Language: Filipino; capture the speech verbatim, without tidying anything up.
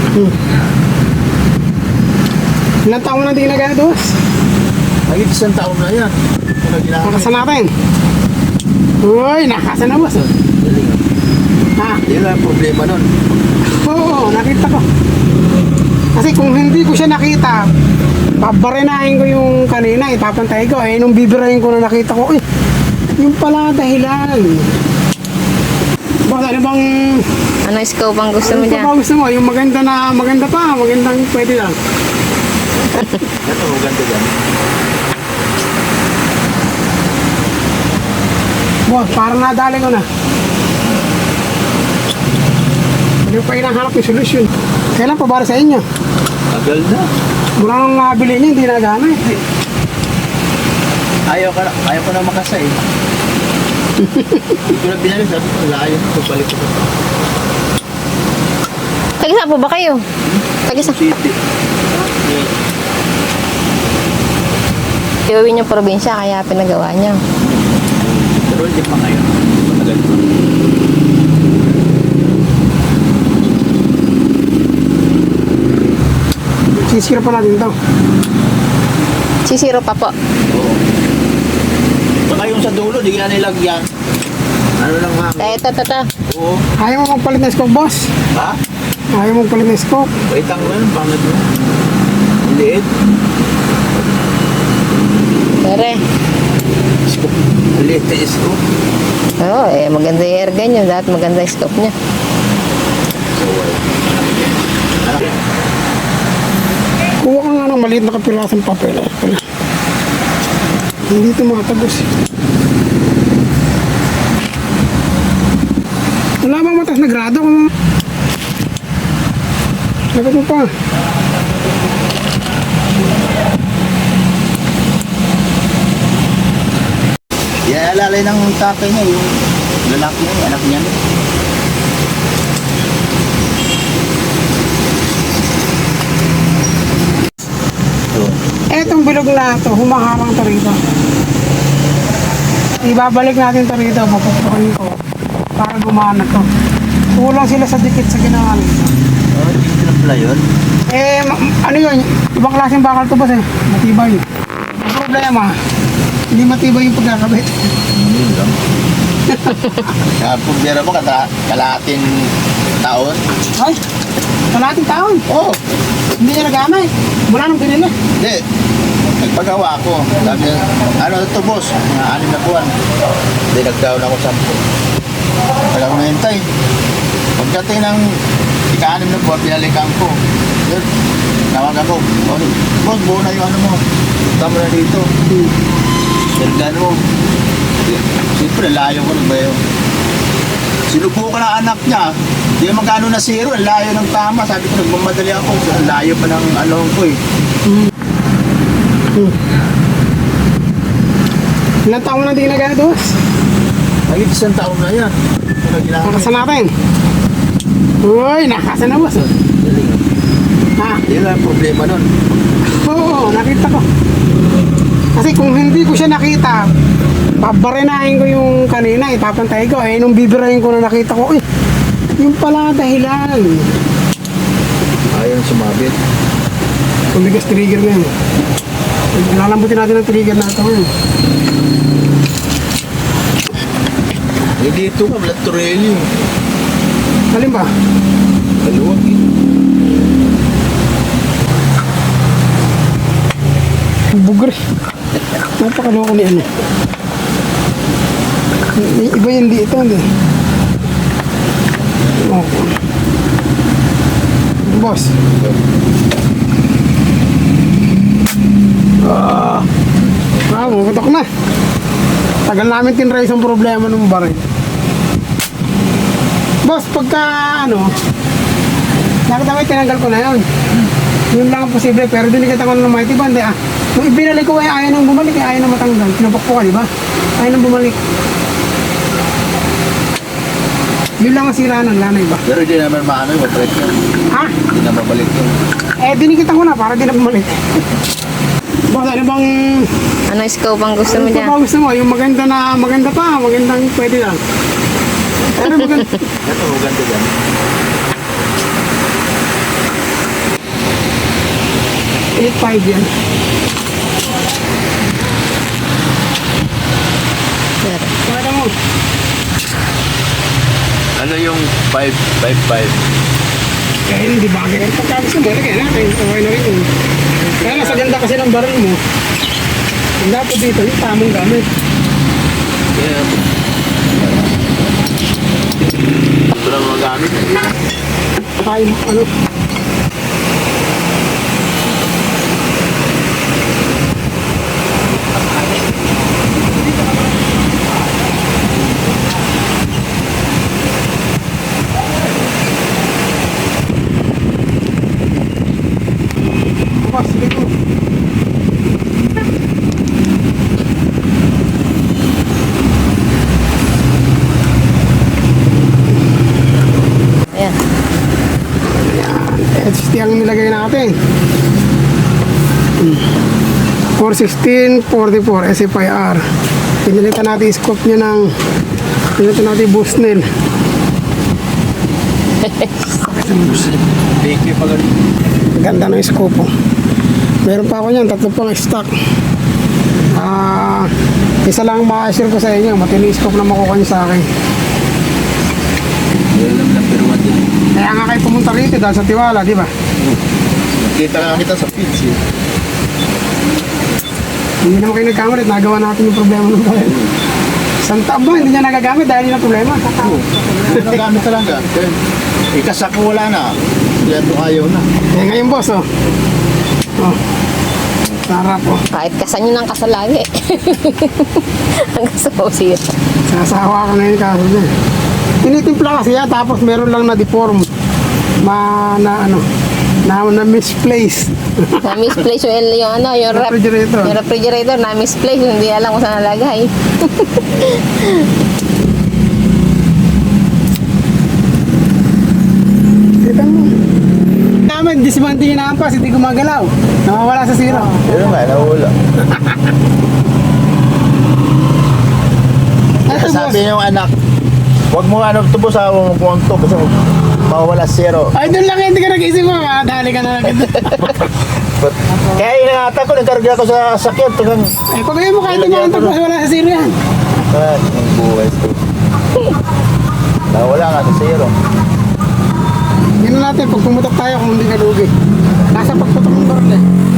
Hmm. Ilang taon mo na di nagados? Ay, isang taon na yan. Ano ginamit? Nakasan natin. Uy, nakasan na boss. Galing Ha? ah. Yan lang ang problema nun. Oo, nakita ko. Kasi kung hindi ko siya nakita, babarinahin ko yung kanina, ipapantay ko. Eh, nung bibirahin ko na nakita ko, eh, yung pala dahilan. Boss, ano bang... Ano scope ang gusto mo ano dyan? ba gusto mo? Yung maganda na, maganda pa, magandang pwede lang. Ito, maganda dyan. Boss, parang nadali ko na. Hindi ko pa hinahanap yung solusyon. Kailan pa para sa inyo? Tagal na. Mula nung nabili niya, hindi nagana eh. Ayaw, ka na, ayaw ko na makasay. Hindi ko na binali. Sabi ko, layo. Pabalik ko. Tag-isa po ba kayo? Tag-isa. City. Iuwi yung probinsya, kaya pinagawa niya. Pero hindi pa ngayon. Matagal pa. Sisira pa natin ito. Sisiro pa po. Oo. Saka yung sa dulo, di ka nilagyan. Ano lang hangin? Eh, ito, ito, ito. Oo. Ayaw mo magpalit ng scope, boss? Ha? Ayaw mo magpalit ng scope? Wait ang ano, pangit mo. Ang liit. Tere. Ang liit na isko. Oo, eh, maganda yung air gun niya. Dapat maganda yung scope niya. Kuha ka nga ng maliit na kapirasong papel. Eh. Pala. Hindi ito makatagos. Wala bang matas na grado kung... Lagot mo pa. Yan, alalay ng tatay niya, yung lalaki niya, yung anak niya. So, Etong bilog na ito, humaharang ito rito. Ibabalik natin ito rito, papupukin ko. Para gumana to. Kulang sila sa dikit sa ginawa nito. oh, dito na pala yun. Eh, ma- ano yun? Ibang klaseng bakal to boss eh. Matibay. Ang problema, hindi matibay yung pagkakabit. Yun lang. Kaya problema mo, kata, kalahating taon. Ay, kalating taon. Oo. Oh, Hindi niya nagamay. Mula nung binili. hindi. Nagpagawa ako. Sabi niya, ano ito boss? Mga anim na buwan. Hindi, nag-down ako sampu. Tagal ko nahintay. Pagdating ng ika-anim na buwan, pinalikan ko. Yun, tawag ako. Boss, boss, buo na yung ano mo. Punta mo na dito. Sirgan mo. Siyempre, layo ko na ba yun? Sinubukan ng anak niya. Hindi magkano na zero. Ang layo ng tama. Sabi ko, nagmamadali ako. Ang layo pa ng ano ko eh. Ilang taon mo na di nagados? Ay, isang taon na yan. Ano ginamit? Nakasan natin. Uy, nakasan na boss. Galing ah. Ha? Yan lang ang problema nun. Oo, nakita ko. Kasi kung hindi ko siya nakita, babarinahin ko yung kanina, ipapantay ko. Eh, nung bibirahin ko na nakita ko, eh, yung pala dahilan. Ayaw sumabit. Tumigas trigger na yun. Lalambutin natin ang trigger na ito. Eh. Eh dito ka, Vlad Torelli. Alin ba? Maluwag eh. Bugre. Napakaloko ni ano. I- Iba yung dito, hindi. Okay. Boss. Ah, ah, mukutok na. Tagal namin tinry isang problema ng baril. Boss, pagka ano, nakita mo, tinanggal ko na yun. Yun lang ang posible, pero dinikita ko na ng mighty band eh, ah. Nung ibinalik ko ay ayaw nang bumalik, eh, ayaw nang matanggal. Pinapakpo ka, di ba? Ayaw nang bumalik. Yun lang ang sira ng lanay ba? Pero hindi naman maano yung break yun. Ha? Hindi na mabalik yun. Eh, dinikita ko na para di na bumalik. Boss, ano bang... Ano scope ang gusto mo Ano dyan? pa ba gusto mo? Yung maganda na, maganda pa, magandang pwede lang. Pero maganda... Ito, maganda dyan. eight five yan. Sir. Pakita mo. Ano yung five five five? Kaya hindi bagay. Pagkabos mo, kaya natin. Okay na rin yun. Kaya nasa ganda kasi ng baril mo. Ang dapat dito, yung tamang gamit. Yeah. Ito lang mga gamit. Saka yung ano. Bukas, dito. Ayan. H D ang nilagay natin. four sixteen forty-four S F I R. Pinilitan natin yung scope niya ng pinilitan natin yung Bushnell. Thank you pag Ganda ng scope po. Meron pa ako niyan, tatlo pang stock. Ah, isa lang ma-share ko sa inyo, matindi scope na makukuha niyo sa akin. number one din. Kaya nga kayo pumunta rito dahil sa tiwala, di ba? Kita lang kita sa feeds eh. Hindi naman kayo nagkamali, nagawa natin yung problema ng bayan. Isang taon ba, hindi niya nagagamit dahil yun ang problema. Nagamit talaga. Ikasak ko wala na. Yan mo ayaw na. Eh ngayon boss, oh. Oh. Sarap, oh. Kahit kasan nyo ng kasalagi. Hanggang sa pausira. Sasawa ka na yung kaso dyan. Tinitimpla kasi yan, tapos meron lang na deform. Ma, na ano, na, na misplaced. Na misplace yung, yung ano, yung, rep, Refrigerator. yung refrigerator na misplace, hindi alam kung saan nalagay. Kita mo. Namin, dismantin yung ampas, hindi gumagalaw. Nawawala sa zero. Yun nga, nawala. Ito boss. Sabi niyo yung anak, huwag mo ano tubos ha, huwag mo konto kasi mawawala zero. Ay, doon lang hindi ka nag-isip mo. Ah, dali ka na lang. But, kaya inangatan ko, nagkarga ko sa sakit. Tagang, Eh, pag mo kahit yung mga tapos wala sa zero yan. ah, ang buhay ko. Nawala nga sa zero. Yan na natin, pag pumutok tayo kung hindi ka lugi. Nasa pagputok ng baril eh.